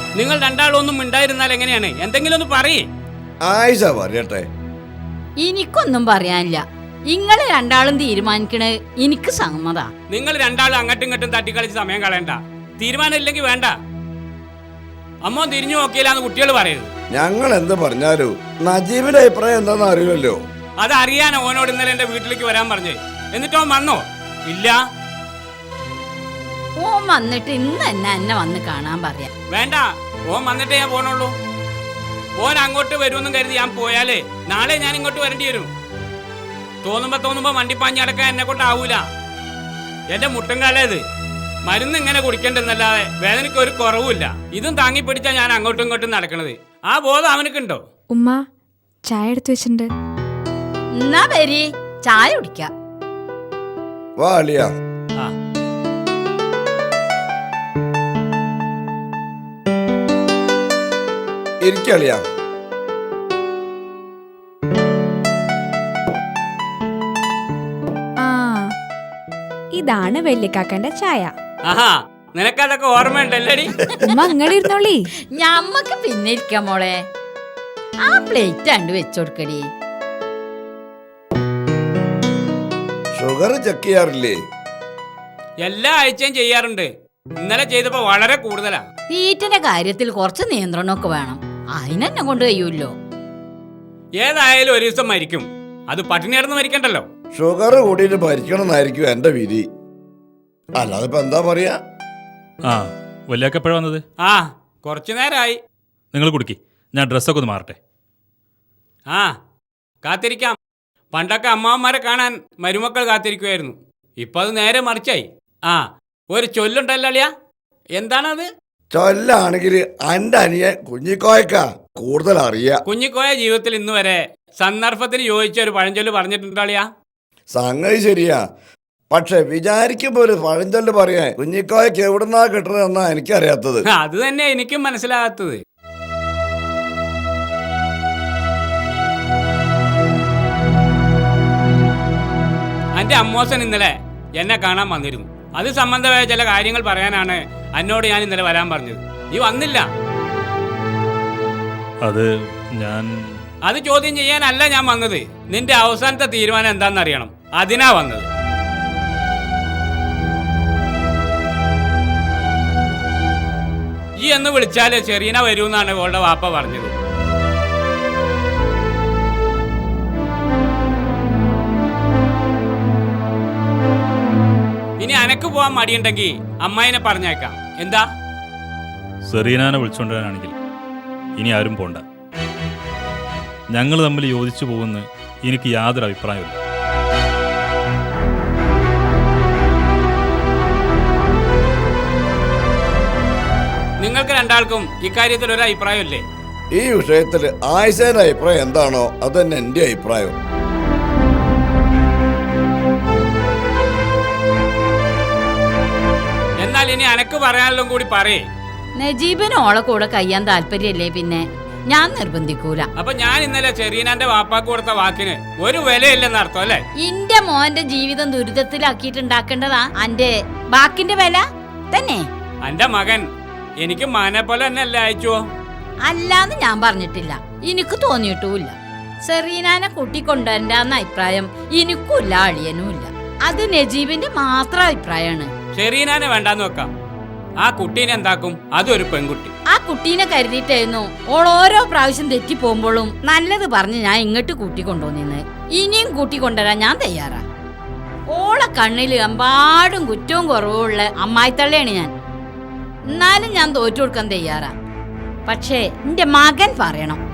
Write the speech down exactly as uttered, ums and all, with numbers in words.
നിങ്ങൾ രണ്ടാളൊന്നും മിണ്ടായിരുന്നാൽ എങ്ങനെയാണ്? എന്തെങ്കിലും ഒന്ന് പറയേ. ആയിഷ പറയട്ടെ. എനിക്കൊന്നും പറയാനില്ല. നിങ്ങള് രണ്ടാളും തീരുമാനിക്കണേ എനിക്ക് സമ്മതാ. നിങ്ങൾ രണ്ടാളും അങ്ങോട്ടും ഇങ്ങോട്ടും തട്ടിക്കളിച്ച് സമയം കളയണ്ട. തീരുമാനം ഇല്ലെങ്കിൽ വേണ്ട. അമ്മ തിരിഞ്ഞു നോക്കിയില്ലാന്ന് കുട്ടികൾ പറയരുത്. ഞങ്ങൾ എന്ത് പറഞ്ഞാലും നജീബിന്റെ അഭിപ്രായം എന്താന്ന് അറിയില്ലല്ലോ. അത് അറിയാൻ ഓനോട് ഇന്നലെ എന്റെ വീട്ടിലേക്ക് വരാൻ പറഞ്ഞേ. എന്നിട്ടോ വന്നോ? ഇല്ല. ഓൻ വന്നിട്ട് ഇന്ന് തന്നെ എന്നെ വന്ന് കാണാൻ പറയാ. വേണ്ട, ഓൻ വന്നിട്ടേ ഞാൻ പോണുള്ളൂ. ഓൻ അങ്ങോട്ട് വരുമെന്നും കരുതി ഞാൻ പോയാലേ നാളെ ഞാൻ ഇങ്ങോട്ട് വരേണ്ടി വരും. തോന്നുമ്പോ തോന്നുമ്പോ വണ്ടിപ്പാഞ്ഞ് അടക്കാൻ എന്നെ കൊണ്ടാവൂല. എന്റെ മുട്ടൻകാലേത് മരുന്ന് ഇങ്ങനെ കുടിക്കണ്ടെന്നല്ലാതെ വേദനയ്ക്ക് ഒരു കുറവുമില്ല. ഇതും താങ്ങി പിടിച്ചാ ഞാൻ അങ്ങോട്ടും ഇങ്ങോട്ടും നടക്കണത്. ആ ബോധം അവനക്കുണ്ടോ? ഉമ്മ ചായ എടുത്തു വെച്ചിട്ടുണ്ട്. എന്നാ വരി, ചായ കുടിക്ക. വാ അളിയ. ആ ഇരിക്കളിയ. ആ ഇതാണ് വെള്ളിക്കാക്കന്റെ ചായ. ആഹാ, നിനക്കതൊക്കെ ഓർമ്മയുണ്ടല്ലേടി? ഉമ്മ അങ്ങനെ ഇരുന്നോളി. ഞമ്മക്ക് പിന്നെ ഇരിക്കാം മോളെ. ആ പ്ലേറ്റ് കണ്ട് വെച്ചോടുക്കടി. Sugar check ചെയ്യാറില്ലേ? എല്ലാ ആഴ്ചയും ചെയ്യാറുണ്ട്. ഇന്നലെ ചെയ്തപ്പോ വളരെ കൂടുതലാ. തീറ്റന്റെ കാര്യത്തിൽ കുറച്ച് നിയന്ത്രണമൊക്കെ വേണം. അതിനെന്നെ കൊണ്ട് കഴിയൂല്ലോ. ഏതായാലും ഒരു ദിവസം മരിക്കും. അത് പട്ടിണിയാർന്ന് മരിക്കണ്ടല്ലോ. ഷുഗർ കൂടിയിട്ട് ഭരിക്കണം എന്നായിരിക്കും എന്റെ വിധി. അല്ലാതെ ഇപ്പൊ എന്താ പറയാ? ആ വല്യാക്ക എപ്പോഴാ വന്നത്? ആ കുറച്ചു നേരമായി. നിങ്ങൾ കുടിക്കി, ഞാൻ ഡ്രസ്സൊക്കെ ഒന്ന് മാറട്ടെ. ആ കാത്തിരിക്കാം. പണ്ടൊക്കെ അമ്മാവന്മാരെ കാണാൻ മരുമക്കൾ കാത്തിരിക്കുമായിരുന്നു. ഇപ്പൊ അത് നേരെ മറിച്ചായി. ആ ഒരു ചൊല്ലുണ്ടല്ലോ അളിയ, എന്താണത്? ചൊല്ലാണെങ്കിൽ എന്റെ അനിയൻ കുഞ്ഞിക്കോയക്ക കൂടുതൽ അറിയാ. കുഞ്ഞിക്കോയ ജീവിതത്തിൽ ഇന്ന് വരെ സന്ദർഭത്തിന് യോജിച്ച ഒരു പഴഞ്ചൊല്ല് പറഞ്ഞിട്ടുണ്ടോ? സംഗതി ശരിയാ. പക്ഷെ വിചാരിക്കുമ്പോ ഒരു പഴഞ്ചൊല്ല് പറയാൻ കുഞ്ഞിക്കോയക്ക് എവിടുന്നാ കിട്ടണെന്നാ എനിക്കറിയാത്തത്. അത് തന്നെ എനിക്കും മനസ്സിലാകാത്തത്. എന്റെ അമ്മോസൻ ഇന്നലെ എന്നെ കാണാൻ വന്നിരുന്നു. അത് സംബന്ധമായ ചില കാര്യങ്ങൾ പറയാനാണ് എന്നോട് ഞാൻ ഇന്നലെ വരാൻ പറഞ്ഞത്. നീ വന്നില്ല. അത് ഞാൻ അത് ചോദ്യം ചെയ്യാനല്ല ഞാൻ വന്നത്. നിന്റെ അവസാനത്തെ തീരുമാനം എന്താണെന്നറിയണം. അതിനാ വന്നത്. ഈ എന്ന് വിളിച്ചാല് ചെറിയന വരൂന്നാണ് ഓളുടെ വാപ്പ പറഞ്ഞത്. ഇനി അനക്ക് പോവാൻ മടിയുണ്ടെങ്കിൽ അമ്മായിനെ പറഞ്ഞേക്കാം. എന്താ? സെറീനാനെ വിളിച്ചോണ്ടാണെങ്കിൽ ഇനി ആരും പോണ്ട. ഞങ്ങൾ തമ്മിൽ യോജിച്ചു പോകുന്ന എനിക്ക് യാതൊരു അഭിപ്രായമില്ല. നിങ്ങൾക്ക് രണ്ടാൾക്കും ഇക്കാര്യത്തിൽ ഒരു അഭിപ്രായമില്ലേ? ഈ വിഷയത്തിൽ ആയിഷയുടെ അഭിപ്രായം എന്താണോ അത് തന്നെ എന്റെ അഭിപ്രായം. എന്നാൽ ഇനി അനക്ക് പറയാനുള്ള കൂടി പറയേ. നജീബിന് ഓളെ കൂടെ കഴിയാൻ താല്പര്യല്ലേ പിന്നെ ഞാൻ നിർബന്ധിക്കൂല. അപ്പൊ ഞാൻ ഇന്നലെ ചെറിയനാന്റെ വാപ്പാക്ക് കൊടുത്ത വാക്കിന് ഒരു വിലയില്ലെന്ന് അർത്ഥം അല്ലേ? ഇന്റെ മോന്റെ ജീവിതം ദുരിതത്തിലാക്കിയിട്ടുണ്ടാക്കേണ്ടതാ അന്റെ ബാക്കിന്റെ വില തന്നെ. എന്റെ മകൻ എനിക്ക് മകനെ പോലെ തന്നെ അല്ലേ അയച്ചോ? അല്ലാന്ന് ഞാൻ പറഞ്ഞിട്ടില്ല, എനിക്ക് തോന്നിയിട്ടുമില്ല. സെറീനാനെ കൂട്ടിക്കൊണ്ടുവരണ്ടെന്ന അഭിപ്രായം എനിക്കുമില്ല, അളിയനുമില്ല. അത് നജീബിന്റെ മാത്രം അഭിപ്രായമാണ്. ചെറിയനാനെ വേണ്ടാന്ന് വെക്കാം. ആ കുട്ടീനെ എന്താക്കും? അതൊരു പെൺകുട്ടി. ആ കുട്ടീനെ കരുതിയിട്ടായിരുന്നു ഓൾ ഓരോ പ്രാവശ്യം തെറ്റി പോകുമ്പോഴും നല്ലത് പറഞ്ഞ് ഞാൻ ഇങ്ങോട്ട് കൂട്ടിക്കൊണ്ടുവന്നിന്ന്. ഇനിയും കൂട്ടിക്കൊണ്ടുവരാൻ ഞാൻ തയ്യാറാ. ഓളെ കണ്ണിൽ എമ്പാടും കുറ്റവും കുറവുള്ള അമ്മായിത്തള്ളയാണ് ഞാൻ. എന്നാലും ഞാൻ തോറ്റു കൊടുക്കാൻ തയ്യാറാ. പക്ഷേ എന്റെ മകൻ പറയണം,